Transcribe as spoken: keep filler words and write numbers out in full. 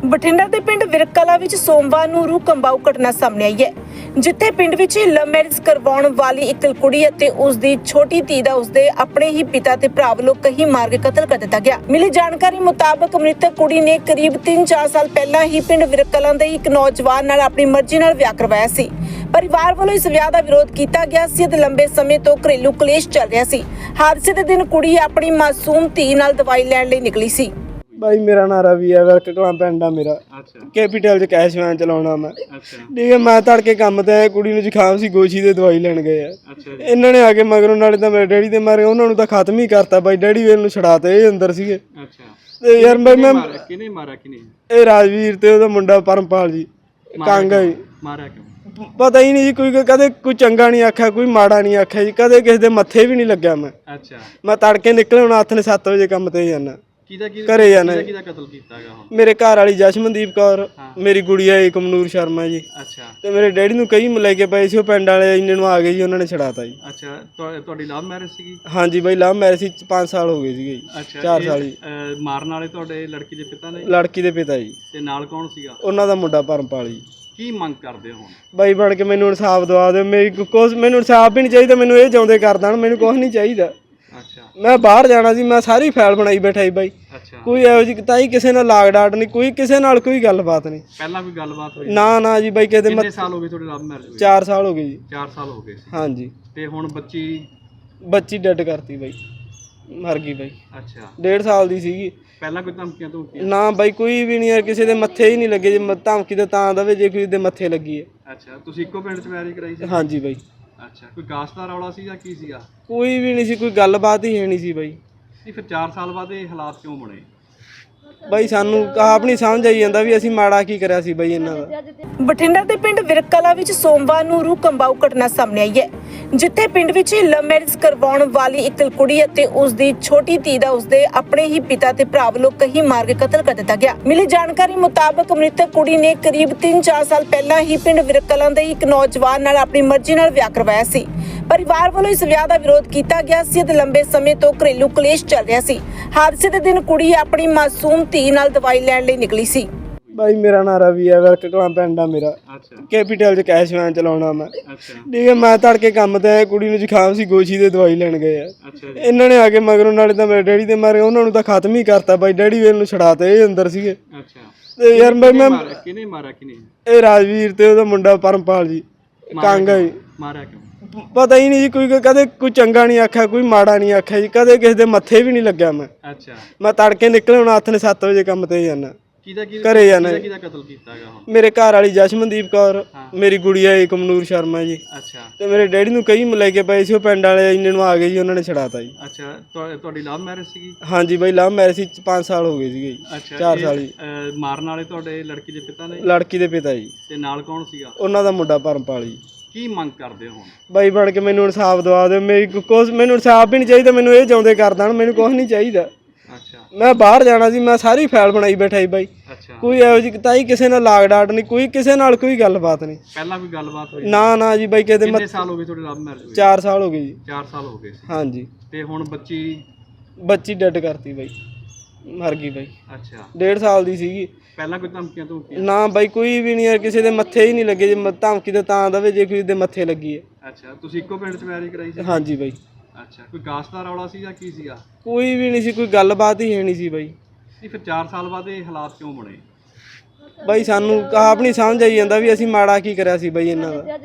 ਬਠਿੰਡਾ ਦੇ ਪਿੰਡ ਵਿਰਕਲਾ ਵਿੱਚ ਸੋਮਵਾਰ ਨੂੰ ਰੂਹ ਕੰਬਾਊ ਘਟਨਾ ਸਾਹਮਣੇ ਆਈ ਹੈ, ਜਿੱਥੇ ਪਿੰਡ ਵਿੱਚ ਲਵ ਮੈਰਿਜ ਕਰਵਾਉਣ ਵਾਲੀ ਇੱਕ ਕੁੜੀ ਅਤੇ ਉਸ ਦੀ ਛੋਟੀ ਧੀ ਦਾ ਉਸਦੇ ਆਪਣੇ ਹੀ ਪਿਤਾ ਤੇ ਭਰਾ ਵੱਲੋਂ ਕਹੀ ਮਾਰ ਕੇ ਕਤਲ ਕਰ ਦਿੱਤਾ ਗਿਆ। ਮਿਲੀ ਜਾਣਕਾਰੀ ਮੁਤਾਬਕ ਮ੍ਰਿਤਕ ਕੁੜੀ ਨੇ ਕਰੀਬ ਤਿੰਨ ਚਾਰ ਸਾਲ ਪਹਿਲਾਂ ਹੀ ਪਿੰਡ ਵਿਰਕਲਾ ਦੇ ਇੱਕ ਨੌਜਵਾਨ ਨਾਲ ਆਪਣੀ ਮਰਜ਼ੀ ਨਾਲ ਵਿਆਹ ਕਰਵਾਇਆ ਸੀ। ਪਰਿਵਾਰ ਵੱਲੋਂ ਇਸ ਵਿਆਹ ਦਾ ਵਿਰੋਧ ਕੀਤਾ ਗਿਆ ਸੀ ਅਤੇ ਲੰਬੇ ਸਮੇਂ ਤੋਂ ਘਰੇਲੂ ਕਲੇਸ਼ ਚੱਲ ਰਿਹਾ ਸੀ। ਹਾਦਸੇ ਦੇ ਦਿਨ ਕੁੜੀ ਆਪਣੀ ਮਾਸੂਮ ਧੀ ਨਾਲ ਦਵਾਈ ਲੈਣ ਲਈ ਨਿਕਲੀ ਸੀ। भाई मेरा नाम रवि है, वर्क कलां पिंड आ मेरा। अच्छा कैपिटल च कैश वैन चलाउणा मैं। अच्छा ठीक है, मैं तड़के काम ते आया, कुड़ी नूं जुखाम सी, गोशी दे दवाई लैण गए आ। अच्छा इन्हां ने आके मगरों नाले तां मेरे डैडी दे मारे उन्हां नूं तां खत्म ही करता बाई, डैडी वेल नूं छड़ाते ये अंदर सीगे। अच्छा ते यार भाई मैं किने मारा किने ए राजवीर ते ओहदा मुंडा परमपाल जी कांगा जी मारा क्यों पता ही नहीं जी, कोई कदे कोई चंगा नहीं आख्या, कोई माड़ा नहीं आख्या जी, कदे किसी दे मत्थे भी नहीं लग्या। मैं अच्छा मैं तड़के निकले हुण हत्थ ने सत्त बजे काम ते जाना किदा की घरे जाना। किदा कत्ल कीतागा हुण मेरे घर वाली जशमनदीप कौर, मेरी गुड़िया है कमनूर शर्मा जी अच्छा ਤੇ ਮੇਰੇ ਡੈਡੀ ਨੂੰ ਕਈ ਲੈ ਪਏ ਸੀ, ਉਹ ਪਿੰਡ ਵਾਲੇ ਇੰਨੇ ਨੂੰ ਆ ਗਏ ਜੀ, ਉਹਨਾਂ ਨੇ ਛੜਾਤਾ ਜੀ। ਅੱਛਾ ਤੁਹਾ- ਤੁਹਾਡੀ ਲਵ ਮੈਰਿਜ ਸੀਗੀ? ਹਾਂਜੀ ਬਾਈ, ਲਵ ਮੈਰਿਜ ਸੀ, ਪੰਜ ਸਾਲ ਹੋ ਗਏ ਸੀਗੇ ਜੀ। ਅੱਛਾ ਚਾਰ ਇਹ, ਸਾਲ ਜੀ। ਅਹ, ਮਾਰਨ ਵਾਲੇ ਤੁਹਾਡੇ ਲੜਕੀ ਦੇ ਪਿਤਾ ਨੇ? ਲੜਕੀ ਦੇ ਪਿਤਾ ਜੀ, ਤੇ ਨਾਲ ਕੌਣ ਸੀਗਾ? ਉਹਨਾਂ ਦਾ ਮੁੰਡਾ ਪਰਮਪਾਲ ਜੀ। ਕੀ ਮੰਗ ਕਰਦੇ ਹੋ ਹੁਣ? ਬਾਈ ਬਣ ਕੇ ਮੈਨੂੰ ਇਨਸਾਫ ਦਵਾ ਦਿਓ, ਮੇਰੀ ਕੁਛ ਮੈਨੂੰ ਇਨਸਾਫ ਵੀ ਨਹੀਂ ਚਾਹੀਦਾ, ਮੈਨੂੰ ਇਹ ਜਿਉਂਦੇ ਕਰ ਦੇਣ, ਮੈਨੂੰ ਕੁਛ ਨਹੀਂ ਚਾਹੀਦਾ। ਅੱਛਾ ਮੈਂ ਬਾਹਰ ਜਾਣਾ ਸੀ, ਮੈਂ ਸਾਰੀ ਫਾਈਲ ਬਣਾਈ ਬੈਠਾ ਜੀ ਬਾਈ। ਅੱਛਾ ਕੋਈ ਇਹੋ ਜਿਹੀ ਤਾਈ ਕਿਸੇ ਨਾਲ ਲਾਗ ਡਾਟ ਨਹੀਂ, ਕੋਈ ਕਿਸੇ ਨਾਲ ਕੋਈ ਗੱਲਬਾਤ ਨਹੀਂ। ਪਹਿਲਾਂ ਕੋਈ ਗੱਲਬਾਤ ਹੋਈ? ਨਾ ਨਾ ਜੀ ਬਾਈ, ਕਿਤੇ ਕਿੰਨੇ ਸਾਲ ਹੋ ਗਏ ਤੁਹਾਡੀ ਲਵ ਮੈਰਿਜ ਹੋਈ? ਚਾਰ ਸਾਲ ਹੋ ਗਏ ਜੀ। ਚਾਰ ਸਾਲ ਹੋ ਗਏ ਸੀ। ਹਾਂਜੀ। ਤੇ ਹੁਣ ਬੱਚੀ? ਬੱਚੀ ਡੈਡ ਕਰਤੀ ਬਾਈ, ਮਰ ਗਈ ਬਾਈ। ਅੱਛਾ ਡੇਢ ਸਾਲ ਦੀ ਸੀਗੀ। ਪਹਿਲਾਂ ਕੋਈ ਧਮਕੀਆਂ ਧਮਕੀਆਂ? ਨਾ ਬਾਈ, ਕੋਈ ਵੀ ਨਹੀਂ ਯਾਰ, ਕਿਸੇ ਦੇ ਮੱਥੇ ਹੀ ਨਹੀਂ ਲੱਗੇ। ਜੇ ਮ- ਧਮਕੀ ਤਾਂ ਤਾਂ ਦਵੇ ਜੇ ਕਿਸੇ ਦੇ ਮੱਥੇ ਲੱਗੀ ਹੈ। ਅੱਛਾ ਤੁਸੀਂ ਇੱਕੋ ਪਿੰਡ 'ਚ ਮੈਰਿਜ ਕਰਾਈ ਸੀ? ਹਾਂਜੀ ਬਾਈ। ਅੱਛਾ ਕੋਈ ਕਾਸਟ ਦਾ ਰੌਲਾ ਸੀ ਜਾਂ ਕੀ ਸੀਗਾ? ਕੋਈ ਵੀ ਨਹੀਂ ਸੀ, ਕੋਈ ਗੱਲਬਾਤ ਹੀ ਹੈ ਨਹੀਂ ਸੀ ਬਾਈ। ਨਹੀਂ ਫਿਰ ਚਾਰ ਸਾਲ ਬਾਅਦ ਇਹ ਹਾਲਾਤ ਕਿਉਂ ਬਣੇ? ਬਾਈ ਸਾਨੂੰ ਆਪ ਨਹੀਂ ਸਮਝ ਆਈ ਜਾਂਦਾ ਵੀ ਅਸੀਂ ਮਾੜਾ ਕੀ ਕਰਿਆ ਸੀ ਬਾਈ ਇਹਨਾਂ ਦਾ। ਬਠਿੰਡਾ ਦੇ ਪਿੰਡ ਵਿਰਕਲਾ ਵਿੱਚ ਸੋਮਵਾਰ ਨੂੰ ਰੂਹ ਕੰਬਾਊ ਘਟਨਾ ਸਾਹਮਣੇ ਆਈ ਹੈ, ਜਿੱਥੇ ਪਿੰਡ ਵਿੱਚ ਲਵ ਮੈਰਿਜ ਕਰਵਾਉਣ ਵਾਲੀ ਇੱਕ ਕੁੜੀ ਅਤੇ ਉਸ ਦੀ ਛੋਟੀ ਧੀ ਦਾ ਉਸਦੇ ਆਪਣੇ ਹੀ ਪਿਤਾ ਤੇ ਭਰਾ ਵੱਲੋਂ ਕਹੀ ਮਾਰ ਕੇ ਕਤਲ ਕਰ ਦਿੱਤਾ ਗਿਆ। ਮਿਲੀ ਜਾਣਕਾਰੀ ਮੁਤਾਬਕ ਮ੍ਰਿਤਕ ਕੁੜੀ ਨੇ ਕਰੀਬ ਤਿੰਨ ਚਾਰ ਸਾਲ ਪਹਿਲਾਂ ਹੀ ਪਿੰਡ ਵਿਰਕਲਾ ਦੇ ਇੱਕ ਨੌਜਵਾਨ ਨਾਲ ਆਪਣੀ ਮਰਜ਼ੀ ਨਾਲ ਵਿਆਹ ਕਰਵਾਇਆ ਸੀ। ਪਰਿਵਾਰ ਵੱਲੋਂ ਇਸ ਵਿਆਹ ਦਾ ਵਿਰੋਧ ਕੀਤਾ ਗਿਆ ਸੀ ਅਤੇ ਲੰਬੇ ਸਮੇਂ ਤੋਂ ਘਰੇਲੂ ਕਲੇਸ਼ ਚੱਲ ਰਿਹਾ ਸੀ। ਹਾਦਸੇ ਦੇ ਦਿਨ ਕੁੜੀ ਆਪਣੀ ਮਾਸੂਮ ਧੀ ਨਾਲ ਦਵਾਈ ਲੈਣ ਲਈ ਨਿਕਲੀ ਸੀ। ਬਾਈ ਮੇਰਾ ਨਾਮ ਰਵੀ ਹੈ, ਵਰਕ ਕਲਾਂ ਪਿੰਡ ਆ ਮੇਰਾ। ਅੱਛਾ ਕੈਪੀਟਲ ਚ ਕੈਸ਼ ਵੈਨ ਚਲਾਉਣਾ ਮੈਂ। ਅੱਛਾ ਠੀਕ ਹੈ, ਮੈਂ ਤੜਕੇ ਕੰਮ ਤੇ ਆਇਆ, ਕੁੜੀ ਨੂੰ ਜ਼ੁਕਾਮ ਸੀ, ਗੋਸ਼ੀ ਦੇ ਦਵਾਈ ਲੈਣ ਗਏ ਆ। ਅੱਛਾ ਇਹਨਾਂ ਨੇ ਆ ਕੇ ਮਗਰੋਂ ਨਾਲੇ ਤਾਂ ਮੇਰੇ ਡੈਡੀ ਦੇ ਮਾਰੇ ਉन्हां ਨੂੰ ਤਾਂ ਖਤਮ ਹੀ ਕਰਤਾ ਬਾਈ, ਡੈਡੀ ਵੇਲ ਨੂੰ ਛੜਾਤੇ ਇਹ ਅੰਦਰ ਸੀਗੇ। ਅੱਛਾ ਤੇ ਯਾਰ ਬਾਈ ਮੈਂ ਮਾਰਾ ਕਿਨੇ ਮਾਰਾ ਕਿਨੇ ਇਹ ਰਾਜਵੀਰ ਤੇ ਉਹਦਾ ਮੁੰਡਾ ਪਰਮਪਾਲ ਜੀ ਕਾਂਗਾ ਜੀ। ਮਾਰਿਆ ਕਿਉਂ? ਪਤਾ ਹੀ ਨਹੀਂ ਜੀ, ਕੋਈ ਕਦੇ ਕੋਈ ਚੰਗਾ ਨਹੀਂ ਆਖਿਆ, ਕੋਈ ਮਾੜਾ ਨਹੀਂ ਆਖਿਆ ਜੀ, ਕਦੇ ਕਿਸੇ ਦੇ ਮੱਥੇ ਵੀ ਨਹੀਂ ਲੱਗਿਆ। ਮੈਂ ਅੱਛਾ ਮੈਂ ਤੜਕੇ ਨਿਕਲੇ ਹੁਣ ਹੱਥ ਨੇ ਸੱਤ ਵਜੇ ਕੰਮ ਤੇ ਜਾਣਾ। ਕਿਹਦਾ ਕੀ ਘਰੇ ਜਾਣਾ। ਕਿਹਦਾ ਕਤਲ ਕੀਤਾਗਾ ਹੁਣ? ਮੇਰੇ ਘਰ ਵਾਲੀ ਜਸ਼ਮਨਦੀਪ ਕੌਰ, ਮੇਰੀ ਗੁੜੀਆ ਹੈ ਕਮਨੂਰ ਸ਼ਰਮਾ ਜੀ ਅੱਛਾ ਤੇ ਮੇਰੇ ਡੈਡੀ ਨੂੰ ਕਈ ਲੈ ਕੇ ਪਏ ਸੀ, ਉਹ ਪਿੰਡ ਵਾਲੇ ਇੰਨੇ ਨੂੰ ਆ ਗਏ ਜੀ, ਉਹਨਾਂ ਨੇ ਛੜਾਤਾ ਜੀ। ਅੱਛਾ ਤੁਹਾ- ਤੁਹਾਡੀ ਲਵ ਮੈਰਿਜ ਸੀਗੀ? ਹਾਂਜੀ ਬਾਈ, ਲਵ ਮੈਰਿਜ ਸੀ, ਪੰਜ ਸਾਲ ਹੋ ਗਏ ਸੀਗੇ ਜੀ। ਅੱਛਾ ਚਾਰ ਇਹ, ਸਾਲ ਜੀ। ਅਹ, ਮਾਰਨ ਵਾਲੇ ਤੁਹਾਡੇ ਲੜਕੀ ਦੇ ਪਿਤਾ ਨੇ? ਲੜਕੀ ਦੇ ਪਿਤਾ ਜੀ, ਤੇ ਨਾਲ ਕੌਣ ਸੀਗਾ? ਉਹਨਾਂ ਦਾ ਮੁੰਡਾ ਪਰਮਪਾਲ ਜੀ। ਕੀ ਮੰਗ ਕਰਦੇ ਹੋ ਹੁਣ? ਬਾਈ ਬਣ ਕੇ ਮੈਨੂੰ ਇਨਸਾਫ ਦਵਾ ਦਿਓ, ਮੇਰੀ ਕੁਛ ਮੈਨੂੰ ਇਨਸਾਫ ਵੀ ਨਹੀਂ ਚਾਹੀਦਾ, ਮੈਨੂੰ ਇਹ ਜਿਉਂਦੇ ਕਰ ਦੇਣ, ਮੈਨੂੰ ਕੁਛ ਨਹੀਂ ਚਾਹੀਦਾ। ਅੱਛਾ ਮੈਂ ਬਾਹਰ ਜਾਣਾ ਸੀ, ਮੈਂ ਸਾਰੀ ਫਾਈਲ ਬਣਾਈ ਬੈਠਾ ਜੀ ਬਾਈ। ਅੱਛਾ ਕੋਈ ਇਹੋ ਜਿਹੀ ਤਾਈ ਕਿਸੇ ਨਾਲ ਲਾਗ ਡਾਟ ਨਹੀਂ, ਕੋਈ ਕਿਸੇ ਨਾਲ ਕੋਈ ਗੱਲਬਾਤ ਨਹੀਂ। ਪਹਿਲਾਂ ਕੋਈ ਗੱਲਬਾਤ ਹੋਈ? ਨਾ ਨਾ ਜੀ ਬਾਈ, ਕਿਤੇ ਕਿੰਨੇ ਸਾਲ ਹੋ ਗਏ ਤੁਹਾਡੀ ਲਵ ਮੈਰਿਜ ਹੋਈ? ਚਾਰ ਸਾਲ ਹੋ ਗਏ ਜੀ। ਚਾਰ ਸਾਲ ਹੋ ਗਏ ਸੀ। ਹਾਂਜੀ। ਤੇ ਹੁਣ ਬੱਚੀ? ਬੱਚੀ ਡੈਡ ਕਰਤੀ ਬਾਈ, ਮਰ ਗਈ ਬਾਈ। ਅੱਛਾ ਡੇਢ ਸਾਲ ਦੀ ਸੀਗੀ। ਪਹਿਲਾਂ ਕੋਈ ਧਮਕੀਆਂ ਧਮਕੀਆਂ? ਨਾ ਬਾਈ, ਕੋਈ ਵੀ ਨਹੀਂ ਯਾਰ, ਕਿਸੇ ਦੇ ਮੱਥੇ ਹੀ ਨਹੀਂ ਲੱਗੇ। ਜੇ ਮ- ਧਮਕੀ ਤਾਂ ਤਾਂ ਦਵੇ ਜੇ ਕਿਸੇ ਦੇ ਮੱਥੇ ਲੱਗੀ ਹੈ। ਅੱਛਾ ਤੁਸੀਂ ਇੱਕੋ ਪਿੰਡ 'ਚ ਮੈਰਿਜ ਕਰਾਈ ਸੀ? ਹਾਂਜੀ ਬਾਈ। ਅੱਛਾ ਕੋਈ ਕਾਸਟ ਦਾ ਰੌਲਾ ਸੀ ਜਾਂ ਕੀ ਸੀਗਾ? ਕੋਈ ਵੀ ਨਹੀਂ ਸੀ, ਕੋਈ ਗੱਲਬਾਤ ਹੀ ਹੈ ਨਹੀਂ ਸੀ ਬਾਈ। ਨਹੀਂ ਫਿਰ ਚਾਰ ਸਾਲ ਬਾਅਦ ਇਹ ਹਾਲਾਤ ਕਿਉਂ ਬਣੇ? ਬਾਈ ਸਾਨੂੰ ਆਪ ਨਹੀਂ ਸਮਝ ਆਈ ਜਾਂਦਾ ਵੀ ਅਸੀਂ ਮਾੜਾ ਕੀ ਕਰਿਆ ਸੀ ਬਾਈ ਇਹਨਾਂ ਦਾ।